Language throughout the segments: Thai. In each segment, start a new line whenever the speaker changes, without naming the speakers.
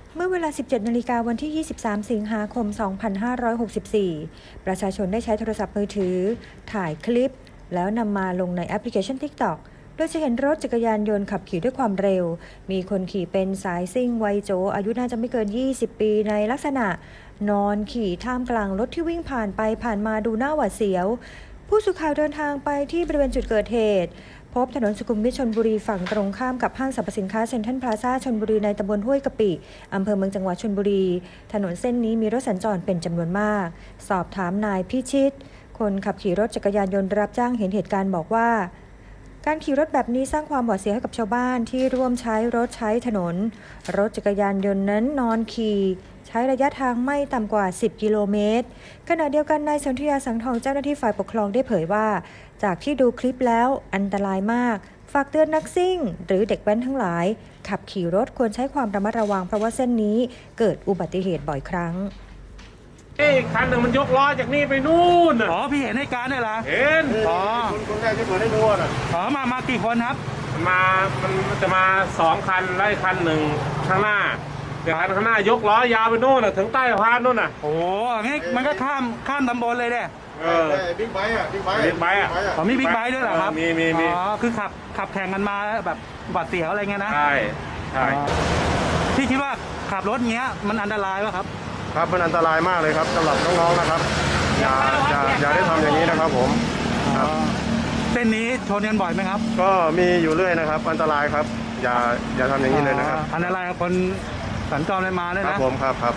เมื่อเวลา 17 นาฬิกาวันที่ 23 สิงหาคม 2564 ประชาชนได้ใช้โทรศัพท์มือถือถ่ายคลิปแล้วนำมาลงในแอปพลิเคชัน TikTok โดยจะเห็นรถจักรยานยนต์ขับขี่ด้วยความเร็ว มีคนขี่เป็นสายซิ่งวัยโจอายุน่าจะไม่เกิน 20 ปีในลักษณะนอนขี่ท่ามกลางรถที่วิ่งผ่านไปผ่านมาดูหน้าหวาดเสียว ผู้สื่อข่าวเดินทางไปที่บริเวณจุดเกิดเหตุพบถนนสุขุมวิทชลบุรีฝั่งตรงข้ามกับห้างสรรพสินค้าเซ็นทรัลพลาซ่าชลบุรีในตำบลห้วยกะปิอำเภอเมืองจังหวัดชลบุรีถนนเส้นนี้มีรถสัญจรเป็นจำนวนมากสอบถามนายพิชิตคนขับขี่รถจักรยานยนต์รับจ้างเห็นเหตุการณ์บอกว่าการขี่รถแบบนี้สร้างความหวาดเสียวให้กับชาวบ้านที่ร่วมใช้รถใช้ถนนรถจักรยานยนต์นั้นนอนขี่ใช้ระยะทางไม่ต่ำกว่า 10 กิโลเมตรขณะเดียวกันนายสนธิยาสังทองเจ้าหน้าที่ฝ่ายปกครองได้เผยว่าจากที่ดูคลิปแล้วอันตรายมากฝากเตือนนักซิ่งหรือเด็กแว้นทั้งหลายขับขี่รถควรใช้ความระมัดระวังเพราะว่าเส้นนี้เกิดอุบัติเหตุบ่อยครั้ง
คันหนึ่งมันยกล้อจากนี่ไปนู่น
อ๋อพี่เห็นในการได้เหรอ
เห็น
อ๋อ
คนแรกที่เปิดให้ดูน่ะ
อ๋อมากี่คนครับ
มันจะมา2 คันไล่คันหนึ่งข้างหน้าแต่คันข้างหน้ายกล้อยาวไปนู่นน่ะถึงใต้สะพานนู่นน่ะ
โอ้งี้มันก็ข้ามตำบลเลยเนี่ย
บิ๊กไบค์อ่ะบิ๊กไบค์อ่ะ
อ๋อมีบิ๊กไบค์ด้วยเหรอครับ
มี
อ๋อคือขับแข่งกันมาแบบหวาดเสียวอะไรเงี้ยนะ
ใช่
พี่คิดว่าขับรถเงี้ยมันอันตรายป่ะครับ
ครับมันอันตรายมากเลยครับสำหรับน้องๆนะครับอย่าได้ทำอย่างนี้นะครับผม
เส้นนี้ชนกันบ่อยไหมครับ
ก็มีอยู่เรื่อยนะครับอันตรายครับอย่าทำอย่างนี้เลยนะครับ
อันตรายกับคนสัญจรไปมาด้วยนะครับ
ผมครับ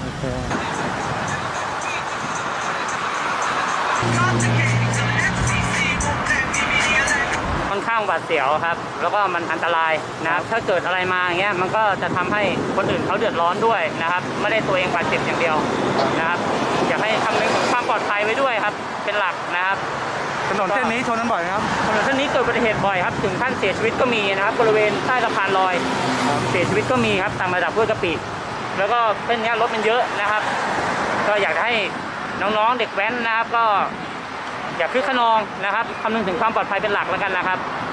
ค่อนข้างหวาดเสียวครับแล้วก็มันอันตรายนะครับถ้าเกิดอะไรมาอย่างเงี้ยมันก็จะทำให้คนอื่นเขาเดือดร้อนด้วยนะครับไม่ได้ตัวเองบาดเจ็บอย่างเดียวนะครับอยากให้คำนึงถึงความปลอดภัยไว้ด้วยครับเป็นหลักนะครับ
ถนนเส้นนี้ชนกันบ่อยครับ
ถนนเส้นนี้เกิดอุบัติเหตุบ่อยครับถึงขั้นเสียชีวิตก็มีนะครับบริเวณใต้สะพานลอยเสียชีวิตก็มีครับตามระดับห้วยกะปิแล้วก็เส้นนี้รถมันเยอะนะครับก็อยากให้น้องๆเด็กแว้นนะครับก็อย่าคึกขนองนะครับคำนึงถึงความปลอดภัยเป็นหลักแล้วกันนะครับ